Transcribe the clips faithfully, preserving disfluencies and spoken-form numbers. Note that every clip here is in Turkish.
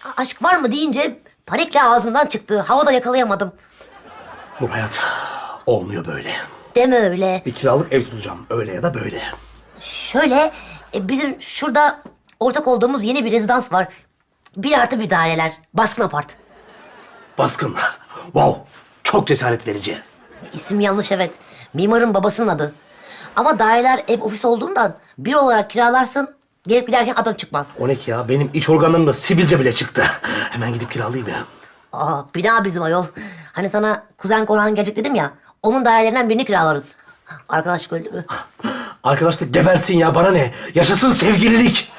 aşk var mı deyince panikle ağzımdan çıktı. Havada yakalayamadım. Bu hayat olmuyor böyle. Deme öyle. Bir kiralık ev tutacağım. Öyle ya da böyle. Şöyle, e, bizim şurada ortak olduğumuz yeni bir rezidans var. Bir artı bir daireler. Baskın apart. Baskın. Wow. Çok cesaret verici. İsim yanlış evet. Mimarın babasının adı. Ama daireler ev ofis olduğundan bir olarak kiralarsın. Gelip giderken adam çıkmaz. O ne ki ya? Benim iç organlarımda sivilce bile çıktı. Hemen gidip kiralayayım ya. Aa, bina bizim ayol. Hani sana kuzen Korhan gelecek dedim ya. Onun dairelerinden birini kiralarız. Arkadaşlık öldü mü? Arkadaşlık gebersin ya. Bana ne? Yaşasın sevgililik.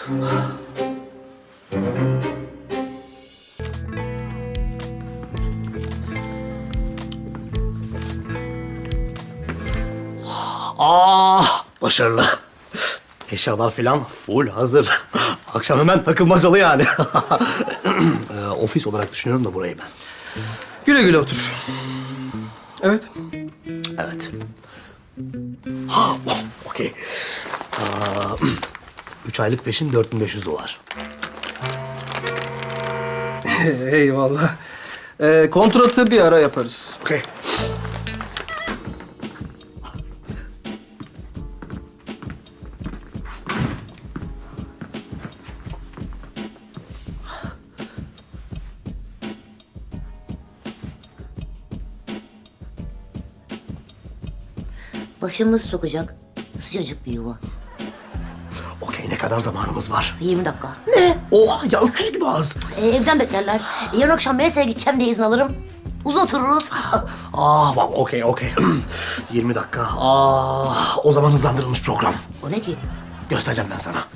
Ah, başarılı. Eşyalar falan full hazır. Akşam hemen takılmacalı yani. Ee, ofis olarak düşünüyorum da burayı ben. Güle güle otur. Evet. Evet. Ha, oh, okey. Aa, Üç aylık peşin dört bin beş yüz dolar. Eyvallah. Ee, kontratı bir ara yaparız. Okey. Başımız sokacak sıcacık bir yuva. Okey, ne kadar zamanımız var? yirmi dakika. Ne? Oha ya, öküz gibi az. Ee, evden beklerler. Ee, yarın akşam Melisa'ya gideceğim diye izin alırım. Uzun otururuz. Ah, wow, okey, okey. yirmi dakika. Ah, o zaman hızlandırılmış program. O ne ki? Göstereceğim ben sana.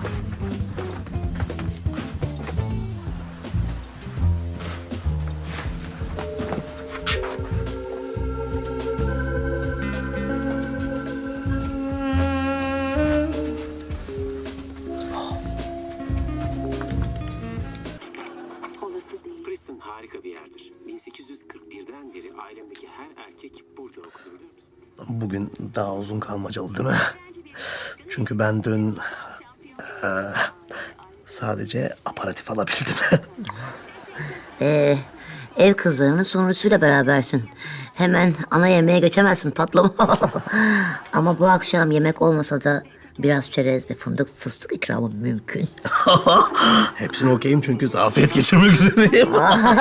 Olası değil. Princeton harika bir yerdir. bin sekiz yüz kırk birden beri ailemdeki her erkek burada okudu, biliyor musun? Bugün daha uzun kalmacalı değil mi? Çünkü ben dün eee, sadece aparatif alabildim. Ee, ev kızlarının sonrasıyla berabersin. Hemen ana yemeğe geçemezsin tatlım. Ama bu akşam yemek olmasa da biraz çerez ve fındık fıstık ikramı mümkün. Hepsini okeyim çünkü zafiyet geçirmek üzereyim.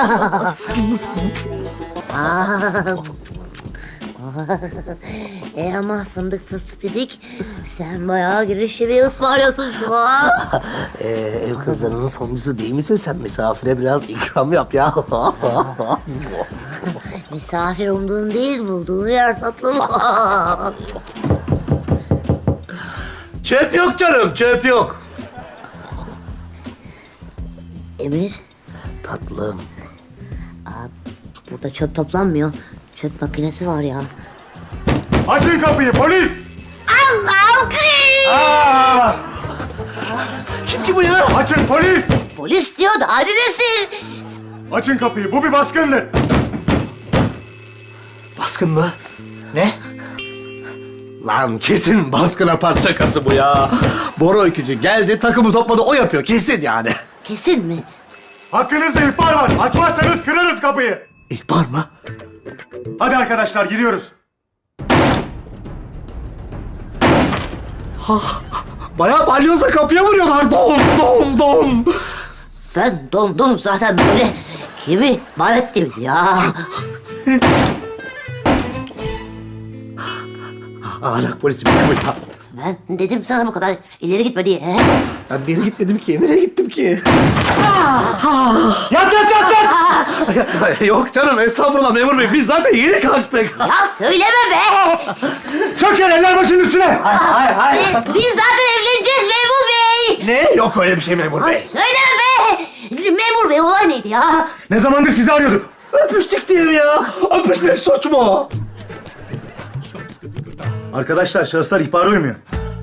e ama fındık fıstık dedik. Sen bayağı girişi bir ısmarlıyorsun şu an. Ee, ev kızlarının sonuncusu değil misin sen? Misafire biraz ikram yap ya. Misafir umduğun değil bulduğun yer tatlım. Çöp yok canım, çöp yok. Emir, Tatlım. burada çöp toplanmıyor. Çöp makinesi var ya. Açın kapıyı, polis! Allah'ım kıyım! Aa! Kim ki bu ya? Açın polis! Polis diyor da neredesin? Açın kapıyı, bu bir baskındır. Baskın mı? Ne? Lan kesin baskın apart şakası bu ya. Bora öykücü geldi, takımı topladı, o yapıyor kesin yani. Kesin mi? Hakkınızda ihbar var. Açmazsanız kırarız kapıyı. İhbar mı? Hadi arkadaşlar, giriyoruz. Bayağı balyoza kapıya vuruyorlar. Dom dom dom. Ben dondum zaten böyle. Kimi var ettiniz ya? Ahlak polisi bir ya. Ben dedim sana bu kadar ileri gitme diye. he? Ben bir yere gitmedim ki. Nereye gittim ki? Yat yat yat yat! Yok canım, estağfurullah memur bey. Biz zaten yeni kalktık. Ya söyleme be! Çök sen, eller başının üstüne! Hayır hayır. Ee, Biz zaten evleneceğiz memur bey! Ne? Yok öyle bir şey memur Ya bey. söyleme be! Memur bey olay neydi ya? Ne zamandır sizi arıyorduk. Öpüştük diyelim ya. Öpüşmek suç mu? Arkadaşlar, şahıslar ihbara uymuyor.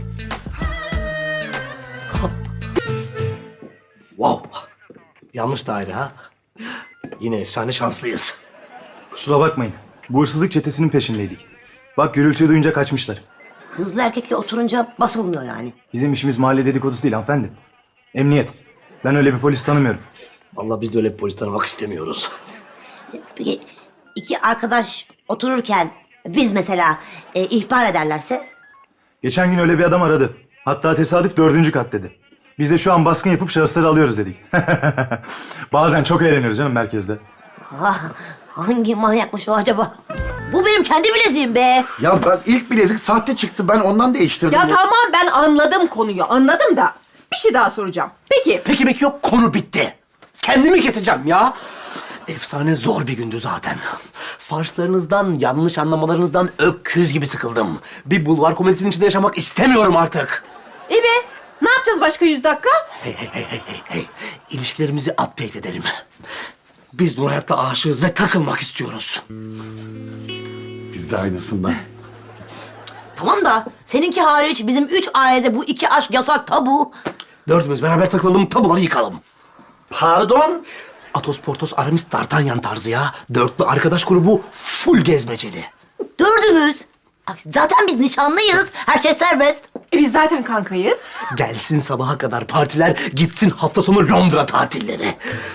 Wow. Yanlış daire ha. Yine efsane şanslıyız. Kusura bakmayın. Bu hırsızlık çetesinin peşindeydik. Bak, gürültüyü duyunca kaçmışlar. Kızla erkekle oturunca basılmıyor yani. Bizim işimiz mahalle dedikodusu değil hanımefendi. Emniyet. Ben öyle bir polis tanımıyorum. Allah biz de öyle bir polis tanımak istemiyoruz. Peki iki arkadaş otururken biz mesela e, ihbar ederlerse? Geçen gün öyle bir adam aradı. Hatta tesadüf dördüncü kat dedi. Biz de şu an baskın yapıp şahısları alıyoruz dedik. Bazen çok eğleniyoruz canım merkezde. Ah, hangi manyakmış o acaba? Bu benim kendi bileziğim be. Ya ben ilk bilezik sahte çıktı. Ben ondan değiştirdim. Ya tamam ben anladım konuyu anladım da bir şey daha soracağım. Peki Peki peki yok, konu bitti. Kendimi keseceğim ya. Efsane zor bir gündü zaten. Farslarınızdan, yanlış anlamalarınızdan öküz gibi sıkıldım. Bir bulvar komedisinin içinde yaşamak istemiyorum artık. iyi be ne yapacağız başka yüz dakika? Hey hey hey hey hey hey. İlişkilerimizi update edelim. Biz Nur Hayat'la aşığız ve takılmak istiyoruz. Biz de aynısından. Tamam da seninki hariç bizim üç ailede bu iki aşk yasak, tabu. Dördümüz beraber takılalım, tabuları yıkalım. Pardon? Atos, Portos, Aramis, D'Artagnan tarzı ya. Dörtlü arkadaş grubu full gezmeceli. Dördümüz. Ay, zaten biz nişanlıyız. Her şey serbest. E, biz zaten kankayız. Gelsin sabaha kadar partiler, gitsin hafta sonu Londra tatilleri.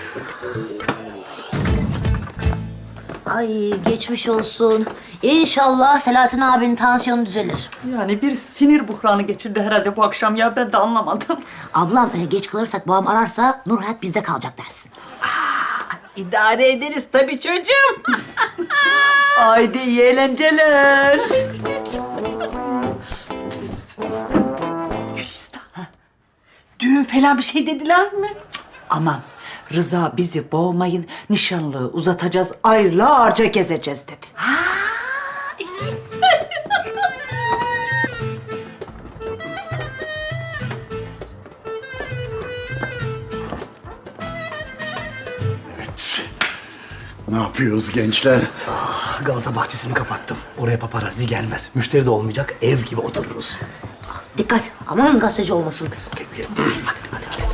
Ay geçmiş olsun. İnşallah Selahattin abinin tansiyonu düzelir. Yani bir sinir buhranı geçirdi herhalde bu akşam ya, ben de anlamadım. Ablam e, geç kalırsak babam ararsa Nur Hayat bizde kalacak dersin. İdare ederiz tabii çocuğum. Haydi iyi eğlenceler. Gülistan. Düğün falan bir şey dediler mi? Aman Rıza bizi boğmayın, nişanlığı uzatacağız, aylarca gezeceğiz dedi. Ne yapıyoruz gençler? Galata bahçesini kapattım. Oraya paparazzi gelmez. Müşteri de olmayacak, ev gibi otururuz. Dikkat, aman gazeteci olmasın. Hadi, hadi, hadi.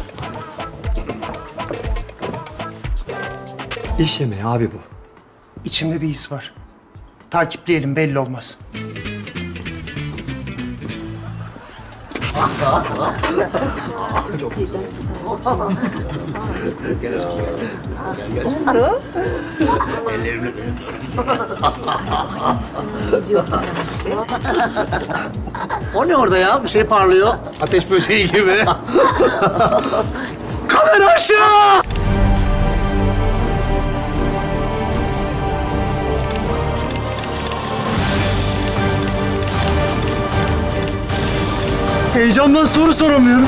İş yemeği abi bu. İçimde bir his var. Takipleyelim, belli olmaz. O ne orada ya? Bir şey parlıyor. Ateş böceği gibi. Kamera aşağı! Heyecandan soru soramıyorum.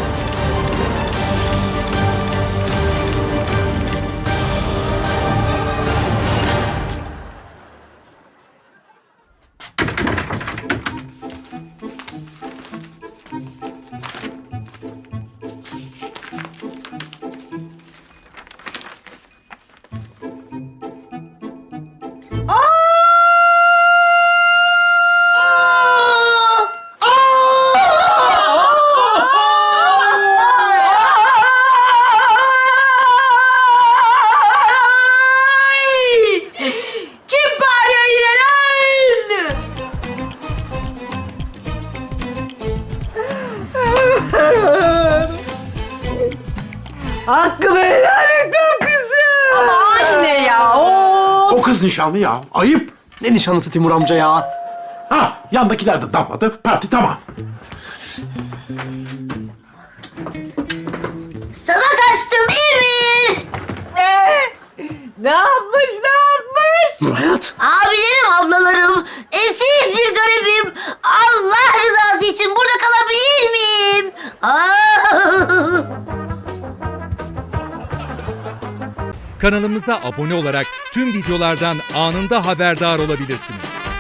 Hakkımı helal et o kızım. Ama anne ya. Of. O kız nişanlı ya. Ayıp. Ne nişanlısı Timur amca ya? Ha, yandakiler de damladı. Parti tamam. Sana kaçtım Emir. Ne yapmış ne yapmış? Nur Hayat. Abilerim, ablalarım, evsiz bir garibim. Allah rızası için burada kalabilir miyim? Aa! Kanalımıza abone olarak tüm videolardan anında haberdar olabilirsiniz.